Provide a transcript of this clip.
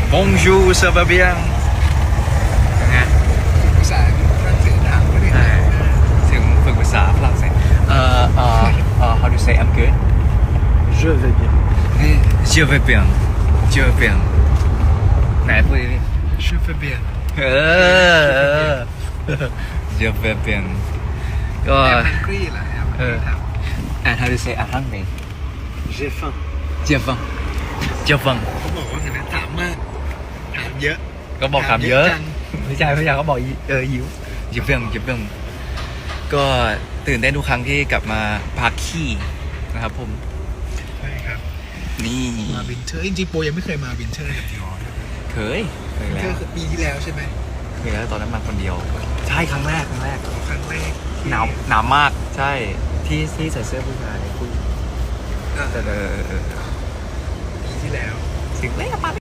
Bonjour ça va bien ไงภาษาฝรั่งเศสถามก็ได้ถึงฝึกภาษาฝรั่งเศสhow do you say I'm good Je vais bien. je vais bien je vais bien ไหนพูดดิ Je vais bien เออ je vais bien ก็แอมแฮงกี้เหรอแอมแฮงกี้ถาม and how do you say I'm hungry J'ai faim. je vais je vais เขาบอกว่าสิ่งนั้นถามมากถามเยอะก็บอกคำเยอะจังไม่ใช่พี่ยาเขาบอกหิวเยี่ยมเยี่ยมก็ตื่นเต้นทุกครั้งที่กลับมาพักขี้นะครับผมใช่ครับนี่มาวินเทอร์จริงๆโปยังไม่เคยมาวินเทอร์กับดิออเคยวินแล้เทอวร์คือปีที่แล้วใช่ไหมเคยแล้วตอนนั้นมาคนเดียว ใช่ครั้งแรกครั้งแรกที่หนาวมากใช่ที่ใส่เสื้อผู้ชายผู้เออแต่ปีที่แล้วสิ่งเล็กปาไป